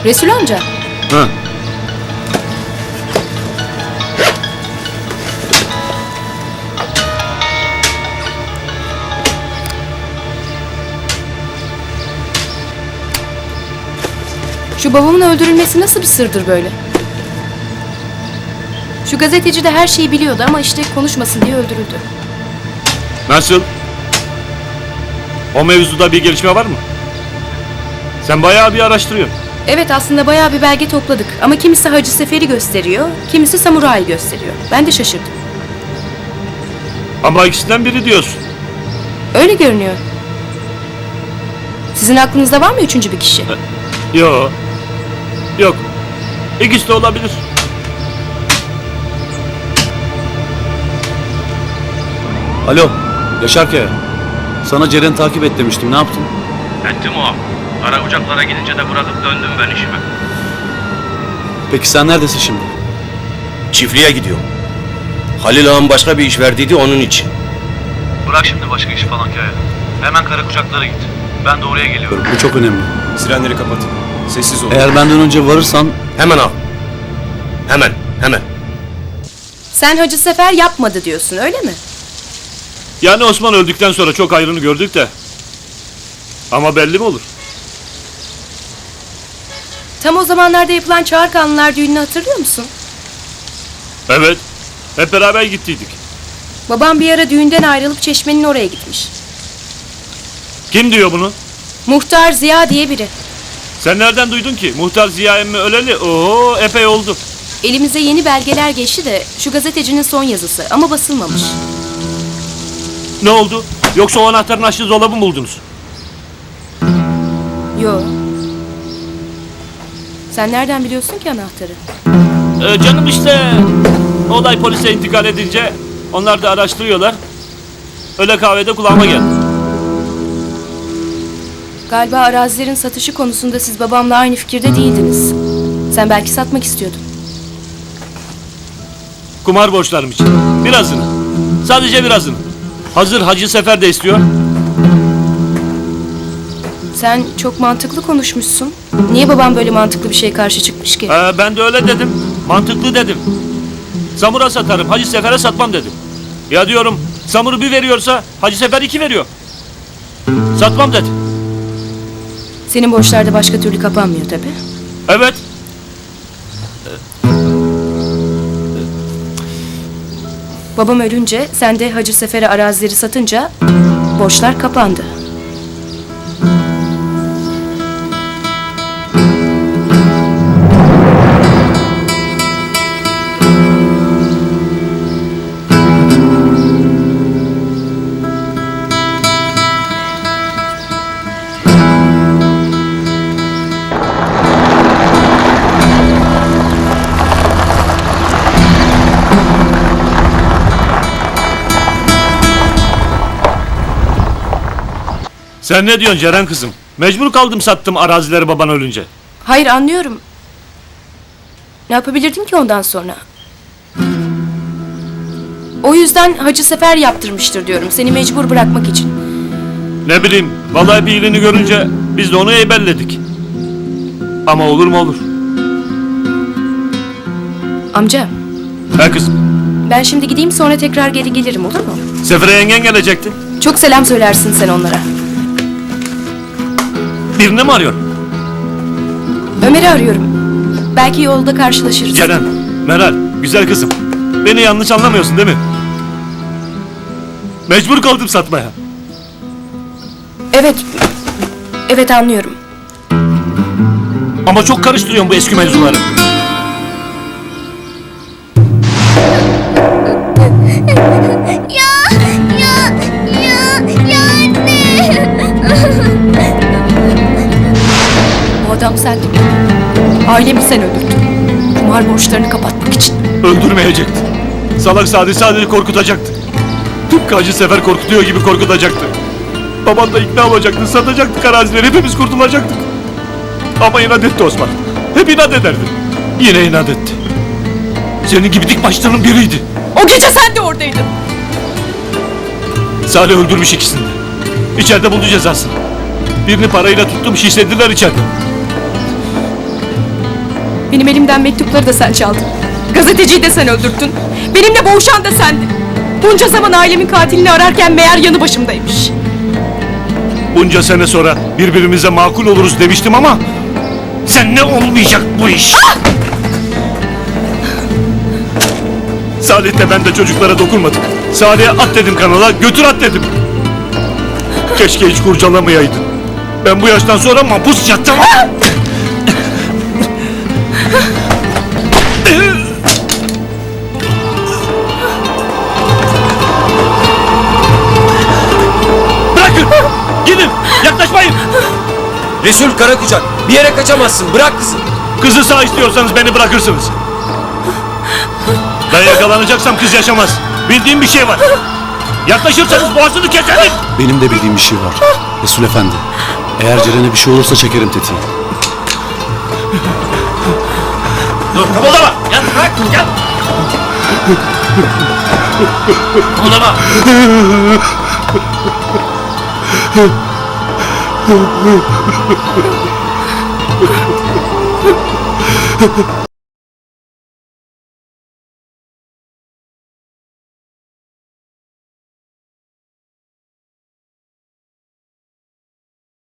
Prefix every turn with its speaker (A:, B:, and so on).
A: Resul amca.
B: Ha.
A: Şu babamın öldürülmesi nasıl bir sırdır böyle? Şu gazeteci de her şeyi biliyordu ama işte konuşmasın diye öldürüldü.
B: Nasıl? O mevzuda bir gelişme var mı? Sen bayağı bir araştırıyorsun.
A: Evet, aslında bayağı bir belge topladık ama kimisi Hacı Sefer'i gösteriyor, kimisi Samuray'ı gösteriyor. Ben de şaşırdım.
B: Ama ikisinden biri diyorsun.
A: Öyle görünüyor. Sizin aklınızda var mı üçüncü bir kişi?
B: Yok. Yok. İkisi de olabilir.
C: Alo, Yaşar Kaya. Sana Ceren'i takip et demiştim, ne yaptın?
D: Ettim o. Kara uçaklara gidince de bırakıp döndüm ben işime.
C: Peki sen neredesin şimdi?
E: Çiftliğe gidiyorum. Halil ağam başka bir iş verdiydi onun için.
D: Bırak şimdi başka iş falan Kaya. Hemen kara uçaklara git. Ben de oraya geliyorum.
C: Bu çok önemli.
E: Sirenleri kapat. Sessiz ol.
C: Eğer benden önce varırsan...
E: Hemen al. Hemen, hemen.
A: Sen Hacı Sefer yapmadı diyorsun, öyle mi?
B: Yani Osman öldükten sonra çok ayrını gördük de. Ama belli mi olur?
A: Tam o zamanlarda yapılan Çağırkanlılar düğününü hatırlıyor musun?
B: Evet. Hep beraber gittiydik.
A: Babam bir ara düğünden ayrılıp Çeşme'nin oraya gitmiş.
B: Kim diyor bunu?
A: Muhtar Ziya diye biri.
B: Sen nereden duydun ki? Muhtar Ziya emmi öleli. Oho, epey oldu.
A: Elimize yeni belgeler geçti de şu gazetecinin son yazısı ama basılmamış.
B: Ne oldu? Yoksa o anahtarın açtığı dolabı mı buldunuz?
A: Yo. Sen nereden biliyorsun ki anahtarı?
B: Canım işte. Olay polise intikal edince onlar da araştırıyorlar. Öyle kahvede kulağıma geldi.
A: Galiba arazilerin satışı konusunda siz babamla aynı fikirde değildiniz. Sen belki satmak istiyordun.
B: Kumar borçlarım için. Birazını. Sadece birazını. Hazır Hacı Sefer de istiyor.
A: Sen çok mantıklı konuşmuşsun. Niye babam böyle mantıklı bir şeye karşı çıkmış ki?
B: Ben de öyle dedim. Mantıklı dedim. Samur'a satarım, Hacı Sefer'e satmam dedim. Ya diyorum, Samur'u bir veriyorsa Hacı Sefer 2 veriyor. Satmam dedi.
A: Senin borçlar da başka türlü kapanmıyor tabii.
B: Evet.
A: Babam ölünce sen de Hacı Sefer'e arazileri satınca borçlar kapandı.
B: Sen ne diyorsun Ceren kızım? Mecbur kaldım sattım arazileri baban ölünce.
A: Hayır, anlıyorum. Ne yapabilirdim ki ondan sonra? O yüzden Hacı Sefer yaptırmıştır diyorum. Seni mecbur bırakmak için.
B: Ne bileyim, vallahi bir iyiliğini görünce biz de onu eybelledik. Ama olur mu olur?
A: Amca,
B: He kızım,
A: ben şimdi gideyim sonra tekrar geri gelirim, olur mu?
B: Sefer'e yengen gelecekti.
A: Çok selam söylersin sen onlara.
B: Birini mi arıyorsun?
A: Ömer'i arıyorum. Belki yolda karşılaşırız.
B: Ceren, Meral, güzel kızım. Beni yanlış anlamıyorsun değil mi? Mecbur kaldım satmaya.
A: Evet. Evet, anlıyorum.
B: Ama çok karıştırıyorsun bu eski mevzuları.
A: Bu adam sendin. Ailemi sen öldürdün. Kumar borçlarını kapatmak için.
B: Öldürmeyecekti. Salak sadece korkutacaktı. Tıpkı Hacı Sefer korkutuyor gibi korkutacaktı. Baban da ikna olacaktı, satacaktık arazileri, hepimiz kurtulacaktık. Ama inat etti Osman. Hep inat ederdi. Yine inat etti. Senin gibi dik başlarının biriydi.
A: O gece sen de oradaydın.
B: Salih öldürmüş ikisini de. İçeride buldu cezasını. Birini parayla tuttum, şişlediler içeride.
F: Benim elimden mektupları da sen çaldın. Gazeteciyi de sen öldürttün. Benimle boğuşan da sendin. Bunca zaman ailemin katilini ararken meğer yanı başımdaymış.
B: Bunca sene sonra birbirimize makul oluruz demiştim ama seninle olmayacak bu iş. Salih'le ben de çocuklara dokunmadık. Salih'e at dedim kanala, götür at dedim. Keşke hiç kurcalamayaydın. Ben bu yaştan sonra mahpus yatacağım. Bırakın! Gidin! Yaklaşmayın!
E: Resul Karakucak, bir yere kaçamazsın. Bırak kızı.
B: Kızı sağ istiyorsanız beni bırakırsınız. Ben yakalanacaksam kız yaşamaz. Bildiğim bir şey var. Yaklaşırsanız boğazını keserim.
C: Benim de bildiğim bir şey var. Resul Efendi. Eğer Ceren'e bir şey olursa çekerim tetiği.
B: Dur kımıldama. Gel bırak gel. Kımıldama.